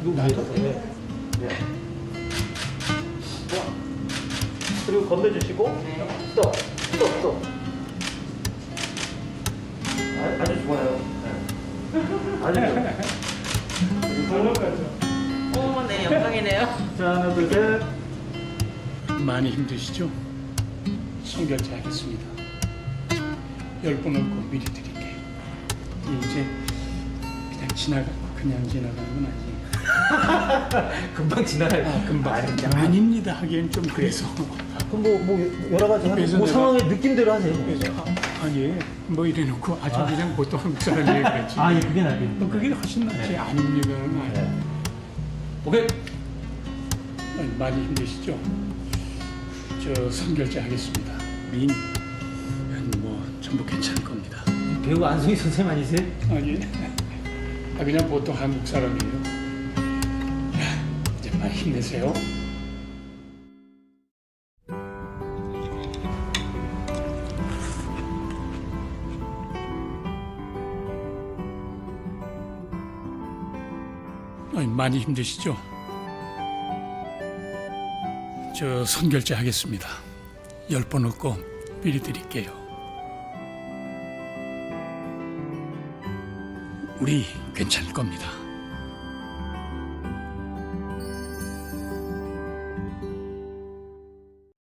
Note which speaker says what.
Speaker 1: 나도.
Speaker 2: 네. 네. 그리고 건네주시고 스톱, 스톱, 스톱. 아주 좋아요. 네. 아주 좋아요.
Speaker 3: 오, 네, 영광이네요.
Speaker 2: 자, 하나, 둘, 셋.
Speaker 1: 많이 힘드시죠? 선결제 하겠습니다. 10번 얻고 미리 드릴게요. 이제 그냥 지나가는 건 아니에요.
Speaker 2: 금방 지나갈.
Speaker 1: 금방. 아닙니다. 하기엔 좀 그래서.
Speaker 2: 그럼 뭐 여러 가지 하는
Speaker 1: 그래서
Speaker 2: 뭐
Speaker 1: 내가-
Speaker 2: 상황의 느낌대로 하세요.
Speaker 1: 그래서 아니 뭐 이래놓고 아주 그냥 보통 한국 사람이 그랬지.
Speaker 2: 아, 예, 그게 나겠네.
Speaker 1: 뭐 그게 훨씬 낫지.
Speaker 2: 네.
Speaker 1: 아닙니다는 아니에요.
Speaker 2: 네. 오케이.
Speaker 1: 아니, 많이 힘드시죠? 저 선결제 하겠습니다. 민, 뭐 전부 괜찮을 겁니다.
Speaker 2: 배우 안승희 선생님 아니세요?
Speaker 1: 아니, 그냥 보통 한국 사람이에요. 자, 이제 많이 힘내세요. 아니, 많이 힘드시죠? 저 선결제 하겠습니다. 10번 얻고 미리 드릴게요. 우리 괜찮을 겁니다.